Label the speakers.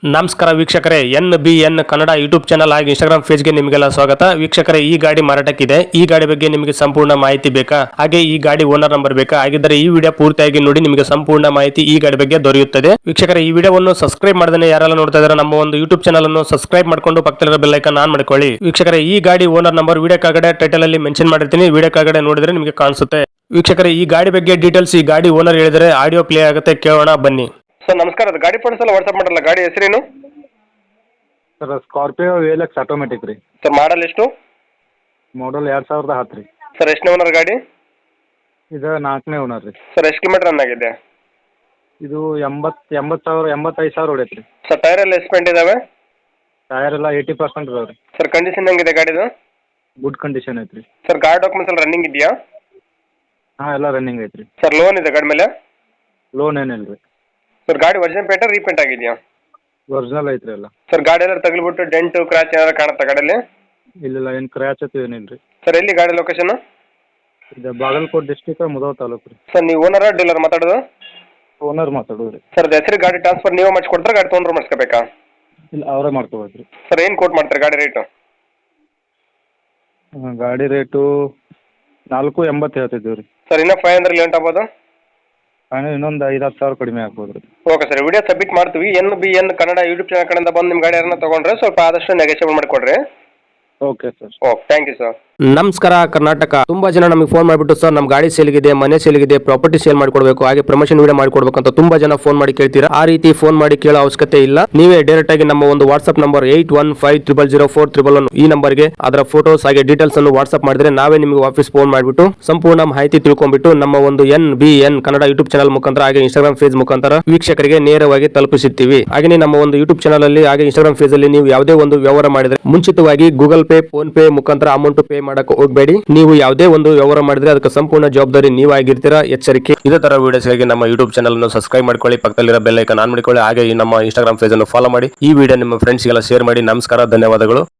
Speaker 1: ನಮಸ್ಕಾರ ವೀಕ್ಷಕರೇ, NBN Kannada YouTube channel ಹಾಗೂ ಇನ್ಸ್ಟಾಗ್ರಾಮ್ ಪೇಜ್ಗೆ ನಿಮಗೆಲ್ಲ ಸ್ವಾಗತ. ವೀಕ್ಷಕರೇ, ಈ ಗಾಡಿ ಮಾರಾಟಕ್ಕಿದೆ. ಈ ಗಾಡಿ ಬಗ್ಗೆ ನಿಮಗೆ ಸಂಪೂರ್ಣ ಮಾಹಿತಿ ಬೇಕಾ? ಹಾಗೆ ಈ ಗಾಡಿ ಓನರ್ ನಂಬರ್ ಬೇಕಾ? ಹಾಗಿದ್ದರೆ ಈ ವಿಡಿಯೋ ಪೂರ್ತಿಯಾಗಿ ನೋಡಿ, ನಿಮಗೆ ಸಂಪೂರ್ಣ ಮಾಹಿತಿ ಈ ಗಾಡಿ ಬಗ್ಗೆ ದೊರೆಯುತ್ತದೆ. ವೀಕ್ಷಕರೇ, ಈ ವಿಡಿಯೋವನ್ನು ಸಬ್ಸ್ಕ್ರೈಬ್ ಮಾಡದೇ ಯಾರೆಲ್ಲ ನೋಡ್ತಾ ಇದ್ದಾರೆ ನಮ್ಮ ಒಂದು ಯೂಟ್ಯೂಬ್ ಚಾನಲ್ ಅನ್ನು ಸಬ್ಸ್ಕ್ರೈಬ್ ಮಾಡ್ಕೊಂಡು ಪಕ್ಕದಲ್ಲಿರೋ ಬೆಲ್ ಐಕಾನ್ ಆನ್ ಮಾಡ್ಕೊಳ್ಳಿ. ವೀಕ್ಷಕರೇ, ಈ ಗಾಡಿ ಓನರ್ ನಂಬರ್ ವಿಡಿಯೋ ಕೆಳಗಡೆ ಟೈಟಲ್ ಅಲ್ಲಿ ಮೆನ್ಷನ್ ಮಾಡಿರ್ತೀನಿ, ವಿಡಿಯೋ ಕೆಳಗಡೆ ನೋಡಿದ್ರೆ ನಿಮಗೆ ಕಾಣಿಸುತ್ತೆ. ವೀಕ್ಷಕರೇ, ಈ ಗಾಡಿ ಬಗ್ಗೆ ಡೀಟೇಲ್ಸ್ ಈ ಗಾಡಿ ಓನರ್ ಹೇಳಿದರೆ ಆಡಿಯೋ ಪ್ಲೇ ಆಗುತ್ತೆ, ಕೇಳೋಣ ಬನ್ನಿ. ಸರ್ ನಮಸ್ಕಾರ, ಅದು ಗಾಡಿ ಫೋಟೋಸ್ ಎಲ್ಲ ವಾಟ್ಸ್ಆಪ್ ಮಾಡಲ್ಲ, ಗಾಡಿ ಹೆಸರೇನು?
Speaker 2: ಸರ್ ಸ್ಕಾರ್ಪಿಯೋ VLX ಆಟೋಮೆಟಿಕ್ ರೀ.
Speaker 1: ಸರ್ ಮಾಡಲ್ ಎಷ್ಟು?
Speaker 2: ಮಾಡಲ್ 2010 ರೀ.
Speaker 1: ಸರ್ ಎಷ್ಟನೇ ಓನರ್ ಗಾಡಿ?
Speaker 2: ಇದು 4ನೇ ಓನರ್ ರೀ.
Speaker 1: ಸರ್ ಎಷ್ಟು ಕಿಲೋಮೀಟರ್ ರನ್ ಆಗಿದೆ?
Speaker 2: ಇದು 85,000 ಹೊಡೈತೆ ರೀ.
Speaker 1: ಸರ್ ಟೈರ್ ಎಲ್ಲ ಎಸ್ಪೆಂಟ್ ಇದಾವೆ?
Speaker 2: ಟೈರ್ ಎಲ್ಲ 80% ಇದಾವೆ ರೀ.
Speaker 1: ಸರ್ ಕಂಡೀಷನ್ ಹೆಂಗಿದೆ ಗಾಡಿದು?
Speaker 2: ಗುಡ್ ಕಂಡೀಷನ್ ಐತೆ ರೀ.
Speaker 1: ಸರ್ ಗಾಡಿ ಡಾಕ್ಯುಮೆಂಟ್ಸ್ ಎಲ್ಲ ರನ್ನಿಂಗ್ ಇದೆಯಾ?
Speaker 2: ಹಾಂ, ಎಲ್ಲ ರನ್ನಿಂಗ್ ಐತೆ ರೀ.
Speaker 1: ಸರ್ ಲೋನ್ ಇದೆ ಗಾಡಿ ಮೇಲೆ?
Speaker 2: ಲೋನ್ ಏನಿಲ್ಲ ರೀ.
Speaker 1: ಸರ್ ಗಾಡಿ ಒರಿಜಿನಲ್ ಪೇಂಟ್ ರೀಪೇಂಟ್ ಆಗಿದೆಯಾ?
Speaker 2: ಒರಿಜಿನಲ್ ಐತೆ ರೀ ಎಲ್ಲ.
Speaker 1: ಸರ್ ಗಾಡಿ ಎಲ್ಲ ತಗಲಿಬಿಟ್ಟು ಡೆಂಟು ಕ್ರಾಚ್ ಏನಾದ್ರು ಕಾಣುತ್ತಾ ಗಾಡಿಯಲ್ಲಿ?
Speaker 2: ಇಲ್ಲ, ಏನು ಕ್ರ್ಯಾಚ್ ಅದು ಏನಿಲ್ಲ ರೀ.
Speaker 1: ಸರ್ ಎಲ್ಲಿ ಗಾಡಿ ಲೊಕೇಶನ್?
Speaker 2: ಇದು ಬಾಗಲಕೋಟೆ ಡಿಸ್ಟಿಕ್ ಮುಧೋಳ ತಾಲೂಕು ರೀ.
Speaker 1: ಸರ್ ನೀವು ಓನರ ಡೀಲರ್ ಮಾತಾಡೋದು?
Speaker 2: ಓನರ್ ಮಾತಾಡೋದು ರೀ.
Speaker 1: ಸರ್ ಹೆಸರು ಗಾಡಿ ಟ್ರಾನ್ಸ್ಫರ್ ನೀವೇ ಮಾಡಿಸ್ಕೊಡ್ತಾರೆ, ಗಾಡಿ ತೊಗೊಂಡ್ರೆ ಮಾಡಿಸ್ಕೋಬೇಕಾ?
Speaker 2: ಇಲ್ಲ, ಅವರೇ ಮಾಡ್ಕೋಬೇಕು ರೀ.
Speaker 1: ಸರ್ ಏನು ಕೋಟ್ ಮಾಡ್ತಾರೆ ಗಾಡಿ ರೇಟು?
Speaker 2: ಗಾಡಿ ರೇಟು 480 ಹೇಳ್ತಿದ್ದೀವಿ ರೀ.
Speaker 1: ಸರ್ ಇನ್ನೂ 500 ಲೇಟ್ ಆಗ್ಬೋದು?
Speaker 2: ಇನ್ನೊಂದು 5-10 ಸಾವಿರ ಕಡಿಮೆ ಆಗ್ಬೋದು ರೀ.
Speaker 1: ಓಕೆ ಸರ್, ವಿಡಿಯೋ ಸಬ್ಮಿಟ್ ಮಾಡ್ತೀವಿ. NBN ಕನ್ನಡ ಯೂಟ್ಯೂಬ್ ಚಾನಲ್ ಕಡೆಯಿಂದ ಬಂದು ನಿಮ್ಮ ಗಾಡಿ ಯಾರನ್ನ ತೊಗೊಂಡ್ರೆ ಸ್ವಲ್ಪ ಆದಷ್ಟು ನೆಗೋಷಿಯೇಟ್ ಮಾಡಿಕೊಡ್ರಿ.
Speaker 2: Okay sir.
Speaker 1: Okay, thank you sir.
Speaker 3: ನಮಸ್ಕಾರ ಕರ್ನಾಟಕ. ತುಂಬಾ ಜನ ನಮಗೆ ಫೋನ್ ಮಾಡಿಬಿಟ್ಟು ಸರ್ ನಮ್ಮ ಗಾಡಿ ಸೇಲ್ಗಿದೆ, ಮನೆ ಸೇಲ್ಗಿದೆ, ಪ್ರಾಪರ್ಟಿ ಸೇಲ್ ಮಾಡ್ಕೊಡ್ಬೇಕು, ಹಾಗೆ ಪ್ರಮೋಷನ್ ವಿಡಿಯೋ ಮಾಡ್ಕೊಡ್ಬೇಕು ಅಂತ ತುಂಬಾ ಜನ ಫೋನ್ ಮಾಡಿ ಕೇಳ್ತೀರಾ. ಆ ರೀತಿ ಫೋನ್ ಮಾಡಿ ಕೇಳೋ ಅವಶ್ಯಕತೆ ಇಲ್ಲ. ನೀವೇ ಡೈರೆಕ್ಟ್ ಆಗಿ ನಮ್ಮ ಒಂದು ವಾಟ್ಸ್ಆಪ್ ನಂಬರ್ 81500411 ಈ ನಂಬರ್ಗೆ ಅದರ ಫೋಟೋಸ್ ಹಾಗೆ ಡೀಟೇಲ್ಸ್ ಅನ್ನು ವಾಟ್ಸ್ಆಪ್ ಮಾಡಿದ್ರೆ ನಾವೇ ನಿಮಗೆ ವಾಪಸ್ ಫೋನ್ ಮಾಡಿಬಿಟ್ಟು ಸಂಪೂರ್ಣ ಮಾಹಿತಿ ತಿಳ್ಕೊಂಡ್ಬಿಟ್ಟು ನಮ್ಮ ಒಂದು NBN ಕನ್ನಡ ಯೂಟ್ಯೂಬ್ ಚಾನಲ್ ಮುಖಾಂತರ ಹಾಗೆ ಇನ್ಸ್ಟಾಗ್ರಾಮ್ ಪೇಜ್ ಮುಖಾಂತರ ವೀಕ್ಷಕರಿಗೆ ನೇರವಾಗಿ ತಲುಪಿಸುತ್ತೀವಿ. ಹಾಗೆ ನಮ್ಮ ಒಂದು ಯೂಟ್ಯೂಬ್ ಚಾನಲ್ ಅಲ್ಲಿ ಹಾಗೆ ಇನ್ಸ್ಟಾಗ್ರಾಮ್ ಪೇಜ್ ಅಲ್ಲಿ ನೀವು ಯಾವುದೇ ಒಂದು ವ್ಯವಹಾರ ಮಾಡಿದ್ರೆ ಮುಂಚಿತವಾಗಿ ಗೂಗಲ್ ಪೇ, ಫೋನ್ ಪೇ ಮುಖಾಂತರ ಅಮೌಂಟ್ ಪೇ ಮಾಡಕ್ಕೆ ಹೋಗಬೇಡಿ. ನೀವು ಯಾವುದೇ ಒಂದು ವ್ಯವಹಾರ ಮಾಡಿದ್ರೆ ಅದಕ್ಕೆ ಸಂಪೂರ್ಣ ಜವಾಬ್ದಾರಿ ನೀವಾಗಿರ್ತೀರಾ, ಎಚ್ಚರಿಕೆ. ಇದೇ ತರ ವಿಡಿಯೋಸ್ಗಾಗಿ ನಮ್ಮ ಯೂಟ್ಯೂಬ್ ಚಾನಲ್ ಅನ್ನು ಸಬ್ಸ್ಕ್ರೈಬ್ ಮಾಡ್ಕೊಳ್ಳಿ, ಪಕ್ಕದಲ್ಲಿರೋ ಬೆಲ್ ಐಕಾನ್ ಆನ್ ಮಾಡಿಕೊಳ್ಳಿ, ಹಾಗೆ ಈ ನಮ್ಮ ಇನ್ಸ್ಟಾಗ್ರಾಮ್ ಪೇಜ್ ಅನ್ನು ಫಾಲೋ ಮಾಡಿ. ಈ ವಿಡಿಯೋ ನಿಮ್ಮ ಫ್ರೆಂಡ್ಸ್ಗೆಲ್ಲ ಶೇರ್ ಮಾಡಿ. ನಮಸ್ಕಾರ, ಧನ್ಯವಾದಗಳು.